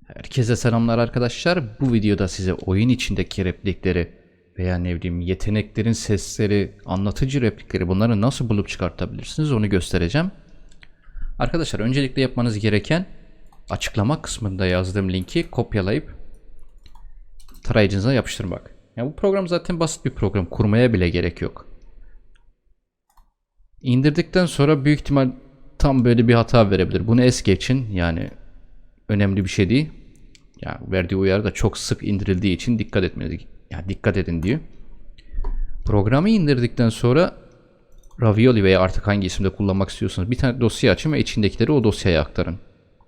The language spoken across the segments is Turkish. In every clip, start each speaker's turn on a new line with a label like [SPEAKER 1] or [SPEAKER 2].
[SPEAKER 1] Herkese selamlar arkadaşlar. Bu videoda size oyun içindeki replikleri veya ne bileyim yeteneklerin sesleri, anlatıcı replikleri bunları nasıl bulup çıkartabilirsiniz onu göstereceğim. Arkadaşlar öncelikle yapmanız gereken açıklama kısmında yazdığım linki kopyalayıp tarayıcınıza yapıştırmak. Yani bu program zaten basit bir program. Kurmaya bile gerek yok. İndirdikten sonra büyük ihtimal tam böyle bir hata verebilir. Bunu es geçin. Yani önemli bir şey değil. Ya verdiği uyarı da çok sık indirildiği için dikkat etmeniz, yani dikkat edin diyor. Programı indirdikten sonra Ravioli veya artık hangi isimde kullanmak istiyorsanız bir tane dosya açın ve içindekileri o dosyaya aktarın.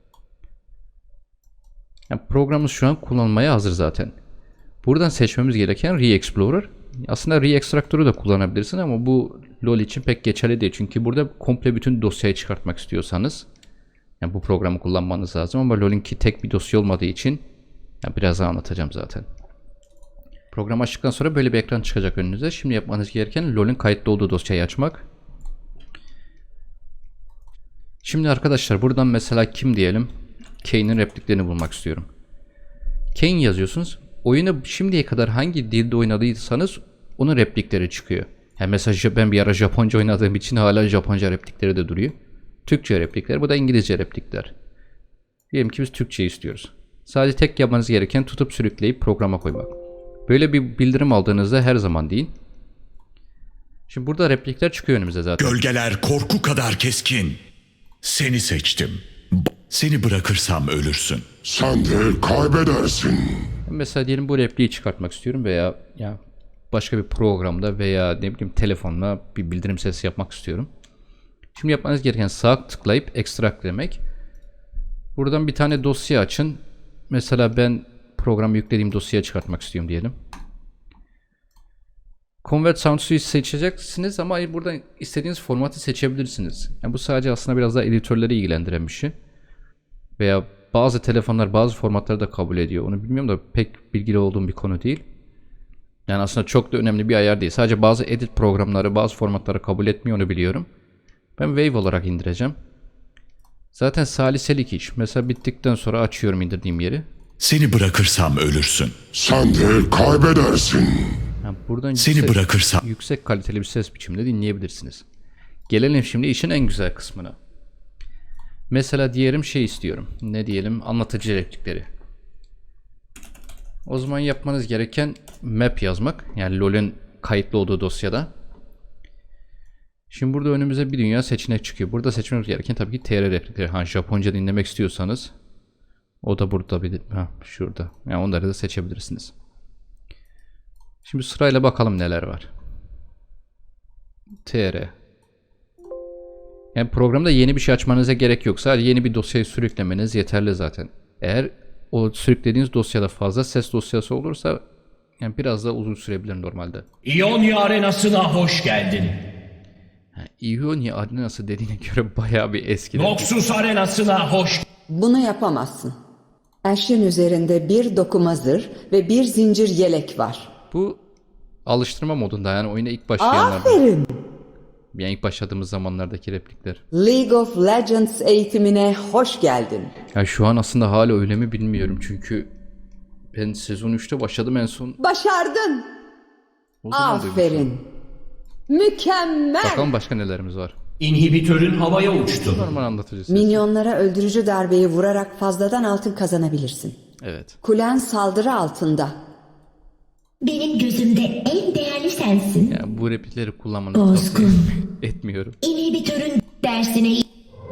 [SPEAKER 1] Yani programımız şu an kullanılmaya hazır zaten. Buradan seçmemiz gereken Re-Explorer. Aslında Re-Extractor'u da kullanabilirsin ama bu LoL için pek geçerli değil. Çünkü burada komple bütün dosyayı çıkartmak istiyorsanız yani bu programı kullanmanız lazım ama LoL'inki tek bir dosya olmadığı için yani biraz daha anlatacağım zaten. Program açtıktan sonra böyle bir ekran çıkacak önünüze. Şimdi yapmanız gereken LoL'in kayıtlı olduğu dosyayı açmak. Şimdi arkadaşlar buradan mesela kim diyelim? Kane'in repliklerini bulmak istiyorum. Kane yazıyorsunuz. Oyunu şimdiye kadar hangi dilde oynadıysanız onun replikleri çıkıyor. Yani mesela ben bir ara Japonca oynadığım için hala Japonca replikleri de duruyor. Türkçe replikler, bu da İngilizce replikler. Diyelim ki biz Türkçe istiyoruz. Sadece tek yapmanız gereken tutup sürükleyip programa koymak. Böyle bir bildirim aldığınızda her zaman deyin. Şimdi burada replikler çıkıyor önümüze zaten.
[SPEAKER 2] Gölgeler korku kadar keskin. Seni seçtim. Seni bırakırsam ölürsün.
[SPEAKER 3] Sen de kaybedersin.
[SPEAKER 1] Mesela diyelim bu repliği çıkartmak istiyorum veya ya başka bir programda veya ne bileyim telefonla bir bildirim sesi yapmak istiyorum. Şimdi yapmanız gereken sağ tıklayıp extract demek. Buradan bir tane dosya açın. Mesela ben programı yüklediğim dosyayı çıkartmak istiyorum diyelim. Convert Sound Suite seçeceksiniz ama buradan istediğiniz formatı seçebilirsiniz. Yani bu sadece aslında biraz daha editörleri ilgilendiren bir şey. Veya bazı telefonlar bazı formatları da kabul ediyor. Onu bilmiyorum da pek bilgili olduğum bir konu değil. Yani aslında çok da önemli bir ayar değil. Sadece bazı edit programları bazı formatları kabul etmiyor, onu biliyorum. Ben Wave olarak indireceğim. Zaten saliselik iş. Mesela bittikten sonra açıyorum indirdiğim yeri.
[SPEAKER 2] Seni bırakırsam ölürsün.
[SPEAKER 3] Sen de kaybedersin.
[SPEAKER 1] Yani buradan
[SPEAKER 2] Seni bırakırsam
[SPEAKER 1] yüksek kaliteli bir ses biçiminde dinleyebilirsiniz. Gelelim şimdi işin en güzel kısmına. Mesela diyelim şey istiyorum. Ne diyelim? Anlatıcı replikleri. O zaman yapmanız gereken map yazmak. Yani LoL'ün kayıtlı olduğu dosyada. Şimdi burada önümüze bir dünya seçenek çıkıyor. Burada seçmemiz gereken tabii ki TR replikleri. Ha, Japonca dinlemek istiyorsanız o da burada bir şurada. Yani onları da seçebilirsiniz. Şimdi sırayla bakalım neler var. TR. Yani programda yeni bir şey açmanıza gerek yok. Sadece yeni bir dosyayı sürüklemeniz yeterli zaten. Eğer o sürüklediğiniz dosyada fazla ses dosyası olursa yani biraz daha uzun sürebilir normalde.
[SPEAKER 4] İonya Arenası'na hoş geldin.
[SPEAKER 1] İonya Arenası dediğine göre bayağı bir eski.
[SPEAKER 4] Noxus Arenası'na hoş.
[SPEAKER 5] Bunu yapamazsın. Ash'in üzerinde bir dokuma zırh ve bir zincir yelek var.
[SPEAKER 1] Bu alıştırma modunda, yani oyuna ilk başlayanlarda.
[SPEAKER 5] Aferin.
[SPEAKER 1] Yani ilk başladığımız zamanlardaki replikler.
[SPEAKER 5] League of Legends eğitimine hoş geldin.
[SPEAKER 1] Ya şu an aslında hala öyle mi bilmiyorum çünkü ben sezon 3'te başladım en son.
[SPEAKER 5] Başardın.
[SPEAKER 1] O zaman duymuştum.
[SPEAKER 5] Aferin. Mükemmel.
[SPEAKER 1] Bakalım başka nelerimiz var.
[SPEAKER 4] İnhibitörün havaya uçtu.
[SPEAKER 1] Normal anlatıcı ses.
[SPEAKER 5] Minyonlara öldürücü darbeyi vurarak fazladan altın kazanabilirsin.
[SPEAKER 1] Evet.
[SPEAKER 5] Kulen saldırı altında.
[SPEAKER 6] Benim gözümde en değerli sensin.
[SPEAKER 1] Yani bu replikleri kullanmanı tavsiye
[SPEAKER 6] Bozgun.
[SPEAKER 1] etmiyorum.
[SPEAKER 6] İnhibitörün dersine...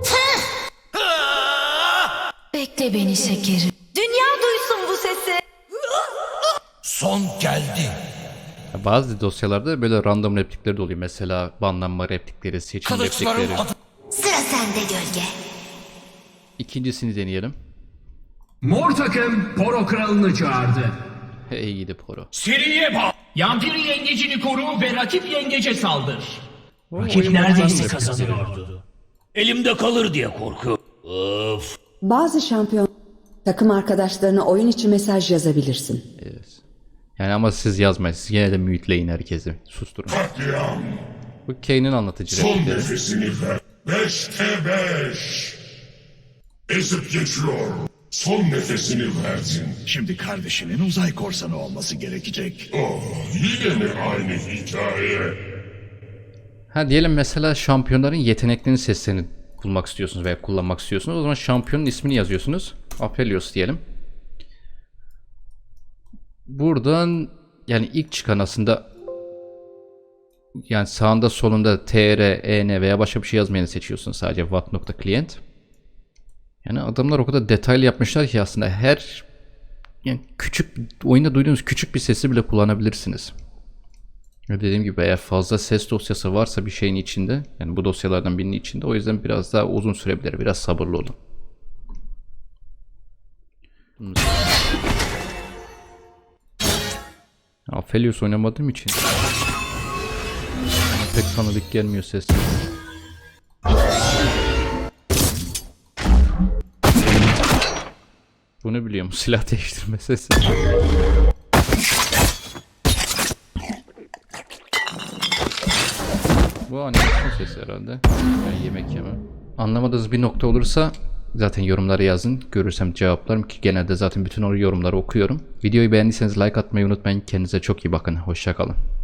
[SPEAKER 7] Bekle beni şekerim. Dünya duysun bu sesi.
[SPEAKER 2] son geldi.
[SPEAKER 1] Ya bazı dosyalarda böyle random replikleri de oluyor. Mesela banlanma replikleri, seçim replikleri.
[SPEAKER 7] Sıra sende gölge.
[SPEAKER 1] İkincisini deneyelim.
[SPEAKER 4] Mor takım Poro kralını çağırdı.
[SPEAKER 1] Hey gidi Poro.
[SPEAKER 4] Seriye bak. Yampiri yengecini koru ve rakip yengece saldır. Rakip
[SPEAKER 1] oyun
[SPEAKER 4] neredeyse
[SPEAKER 1] başlandı.
[SPEAKER 4] kazanıyordu. Elimde kalır diye korku. Of.
[SPEAKER 5] Bazı şampiyon takım arkadaşlarına oyun içi mesaj yazabilirsin.
[SPEAKER 1] Evet. Yani ama siz yazmayın. Siz yine de mute'leyin herkesi. Susturun.
[SPEAKER 3] Katliam.
[SPEAKER 1] Bu Kane'in anlatıcı
[SPEAKER 3] Son
[SPEAKER 1] replikleri.
[SPEAKER 3] nefesini ver. 5'te 5. Ezip geçiyor. Son nefesini verdin.
[SPEAKER 2] Şimdi kardeşinin uzay korsanı olması gerekecek.
[SPEAKER 3] Oh, yine mi aynı hikaye?
[SPEAKER 1] Ha diyelim mesela şampiyonların yeteneklerinin seslerini bulmak istiyorsunuz veya kullanmak istiyorsunuz. O zaman şampiyonun ismini yazıyorsunuz. Aphelios diyelim. Buradan yani ilk çıkan aslında yani sağında solunda tr, en veya başka bir şey yazmayanı seçiyorsunuz. Sadece what.client. Yani adamlar o kadar detaylı yapmışlar ki aslında her yani küçük oyunda duyduğunuz küçük bir sesi bile kullanabilirsiniz. Dediğim gibi eğer fazla ses dosyası varsa bir şeyin içinde, yani bu dosyalardan birinin içinde, o yüzden biraz daha uzun sürebilir. Biraz sabırlı olun. Aphelios oynamadığım için pek tanıdık gelmiyor ses. Bunu biliyorum, silah değiştirme sesi. Bu animasyon sesi herhalde. Yani yemek yeme. Anlamadığınız bir nokta olursa zaten yorumlara yazın. Görürsem cevaplarım ki genelde zaten bütün o yorumları okuyorum. Videoyu beğendiyseniz like atmayı unutmayın. Kendinize çok iyi bakın. Hoşça kalın.